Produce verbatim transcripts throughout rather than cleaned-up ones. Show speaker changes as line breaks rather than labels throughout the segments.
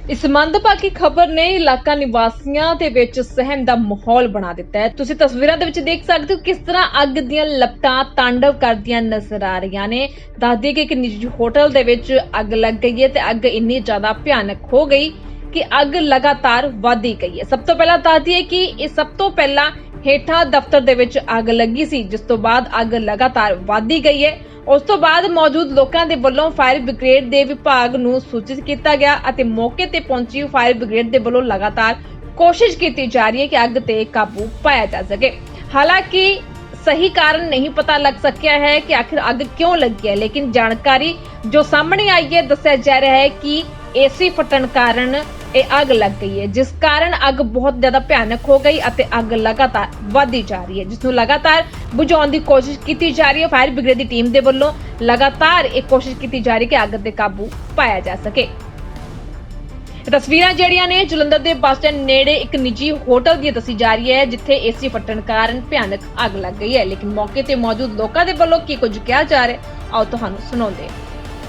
इस मंदभागी खबर ने इलाका निवासियों ਦੇ ਵਿੱਚ ਸਹਿਮ ਦਾ ਮਾਹੌਲ ਬਣਾ ਦਿੱਤਾ ਹੈ। ਤੁਸੀਂ ਤਸਵੀਰਾਂ ਦੇ ਵਿੱਚ ਦੇਖ ਸਕਦੇ ਹੋ ਕਿਸ ਤਰ੍ਹਾਂ ਅੱਗ ਦੀਆਂ ਲਪਟਾਂ ਤਾਂਡਵ ਕਰਦੀਆਂ ਨਜ਼ਰ ਆ ਰਹੀਆਂ ਨੇ। ਦੱਸਦੀ ਕਿ ਇੱਕ ਨਿੱਜੀ ਹੋਟਲ ਦੇ ਵਿੱਚ ਅੱਗ ਲੱਗ ਗਈ ਹੈ ਤੇ ਅੱਗ ਇੰਨੀ ਜ਼ਿਆਦਾ ਭਿਆਨਕ ਹੋ ਗਈ ਕਿ ਅੱਗ ਲਗਾਤਾਰ ਵਧਦੀ ਗਈ ਹੈ। ਸਭ ਤੋਂ ਪਹਿਲਾਂ ਦੱਸਦੀ ਹੈ ਕਿ ਇਹ ਸਭ ਤੋਂ ਪਹਿਲਾਂ ਹੇਠਾਂ ਦਫ਼ਤਰ ਦੇ ਵਿੱਚ ਅੱਗ ਲੱਗੀ ਸੀ, ਜਿਸ ਤੋਂ ਬਾਅਦ ਅੱਗ ਲਗਾਤਾਰ ਵਧਦੀ ਗਈ ਹੈ। ਉਸ ਤੋਂ ਬਾਅਦ ਮੌਜੂਦ ਲੋਕਾਂ ਦੇ ਵੱਲੋਂ ਫਾਇਰ ਬ੍ਰਿਗੇਡ ਦੇ ਵਿਭਾਗ ਨੂੰ ਸੂਚਿਤ ਕੀਤਾ ਗਿਆ ਅਤੇ ਮੌਕੇ ਤੇ ਪਹੁੰਚੀ ਫਾਇਰ ਬ੍ਰਿਗੇਡ ਦੇ ਵੱਲੋਂ ਲਗਾਤਾਰ ਕੋਸ਼ਿਸ਼ ਕੀਤੀ ਜਾ ਰਹੀ ਹੈ ਕਿ ਅੱਗ ਤੇ ਕਾਬੂ ਪਾਇਆ ਜਾ ਸਕੇ। ਹਾਲਾਂਕਿ ਸਹੀ ਕਾਰਨ ਨਹੀਂ ਪਤਾ ਲੱਗ ਸਕਿਆ ਹੈ ਕਿ ਆਖਿਰ ਅੱਗ ਕਿਉਂ ਲੱਗੀ ਹੈ, ਲੇਕਿਨ ਜਾਣਕਾਰੀ ਜੋ ਸਾਹਮਣੇ ਆਈ ਹੈ ਦੱਸਿਆ ਜਾ ਰਿਹਾ ਹੈ ਕਿ ਏਸੀ ਫਟਣ ਕਾਰਨ ਇਹ ਅੱਗ ਲੱਗ ਗਈ ਹੈ, ਜਿਸ ਕਾਰਨ ਅੱਗ ਬਹੁਤ ਜ਼ਿਆਦਾ ਭਿਆਨਕ ਹੋ ਗਈ ਅਤੇ ਅੱਗ ਲਗਾਤਾਰ ਵਧਦੀ ਜਾ ਰਹੀ ਹੈ, ਜਿਸ ਨੂੰ ਲਗਾਤਾਰ ਬੁਝਾਉਣ ਦੀ ਕੋਸ਼ਿਸ਼ ਕੀਤੀ ਜਾ ਰਹੀ ਹੈ। ਫਾਇਰ ਬ੍ਰਿਗੇਡ ਦੀ ਟੀਮ ਦੇ ਵੱਲੋਂ ਲਗਾਤਾਰ ਇਹ ਕੋਸ਼ਿਸ਼ ਕੀਤੀ ਜਾ ਰਹੀ ਹੈ ਕਿ ਅੱਗ ਤੇ ਕਾਬੂ ਪਾਇਆ ਜਾ ਸਕੇ। ਤਸਵੀਰਾਂ ਜਿਹੜੀਆਂ ਨੇ ਜਲੰਧਰ ਦੇ ਬੱਸ ਸਟੈਂਡ ਨੇੜੇ ਇੱਕ ਨਿੱਜੀ ਹੋਟਲ ਦੀ ਦੱਸੀ ਜਾ ਰਹੀ ਹੈ, ਜਿੱਥੇ ਏਸੀ ਫਟਣ ਕਾਰਨ ਭਿਆਨਕ ਅੱਗ ਲੱਗ ਗਈ ਹੈ, ਲੇਕਿਨ ਮੌਕੇ ਤੇ ਮੌਜੂਦ ਲੋਕਾਂ ਦੇ ਵੱਲੋਂ ਕੀ ਕੁਝ ਕਿਹਾ ਜਾ ਰਿਹਾ ਹੈ ਆਓ ਤੁਹਾਨੂੰ ਸੁਣਾਉਂਦੇ ਹਾਂ।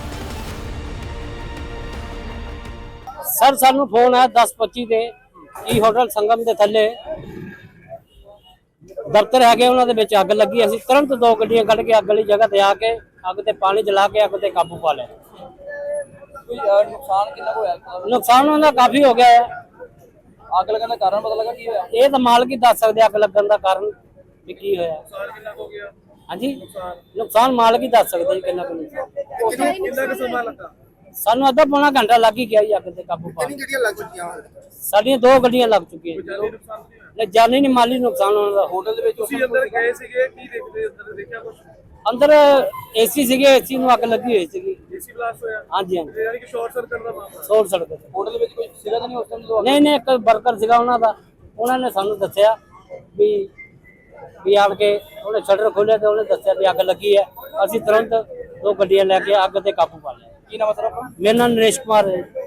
सर सानू फोन है दस पच्ची के ई होटल संगम के थले दफ्तर है उन्होंने अग लगी। असी तुरंत दो गड्डियां कढ़ के अग वाली जगह ते आके अग ते पानी जला के अग ते काबू पा लिया।
नुकसान कितना होया?
नुकसान उन्होंने काफी हो गया है।
अग लगन का कारण पता लगा की होया?
ये तो मालिक ही दस सकते अग लगन का कारण भी की होया।
नुकसान कितना हो गया?
हाँ जी नुकसान मालिक ही दस सकते कितना
कितना का समय लगा?
सानू अद्धा पौना घंटा लग ही गया जी अग ते काबू पा। साडियां दो गड्डियां लग चुकी है।
जानी नुकसान नहीं होया?
नहीं जानी नहीं माली नुकसान होने का।
होटल ਦੇ ਵਿੱਚ ਤੁਸੀਂ ਅੰਦਰ ਗਏ ਸੀਗੇ ਕੀ ਦੇਖਦੇ ਅੰਦਰ ਦੇਖਿਆ ਕੁਝ?
अंदर एसी सीगे एसी ਨੂੰ ਅੱਗ ਲੱਗੀ ਹੋਈ ਸੀਗੀ।
ਏਸੀ ਬਲਾਸਟ ਹੋਇਆ?
ਹਾਂਜੀ ਹਾਂਜੀ
ਯਾਨੀ ਕਿ ਸ਼ਾਰਟ ਸਰਕਟ ਦਾ ਮਾਮਲਾ?
ਸੋਲ ਸੜਕ ਤੇ।
ਹੋਟਲ ਦੇ ਵਿੱਚ ਕੋਈ ਸੀਗਾ ਤਾਂ ਨਹੀਂ ਉਸ ਟਾਈਮ?
ਨਹੀਂ ਨਹੀਂ ਇੱਕ ਵਰਕਰ ਸੀਗਾ ਉਹਨਾਂ ਦਾ, ਉਹਨਾਂ ਨੇ ਸਾਨੂੰ ਦੱਸਿਆ ਵੀ ਵੀ ਆਣ ਕੇ ਉਹਨੇ ਸ਼ਟਰ ਖੋਲ੍ਹਿਆ ਤੇ ਉਹਨੇ ਦੱਸਿਆ ਵੀ ਅੱਗ ਲੱਗੀ ਹੈ। ਅਸੀਂ ਤੁਰੰਤ ਦੋ ਗੱਡੀਆਂ ਲੈ ਕੇ ਅੱਗ ਤੇ ਕਾਬੂ ਪਾ ਲਿਆ।
ਕੀ ਨਾਮ ਹੈ ਸਰ ਆਪਣਾ?
ਮੇਰਾ ਨਾਮ ਨਰੇਸ਼ ਕੁਮਾਰ ਹੈ।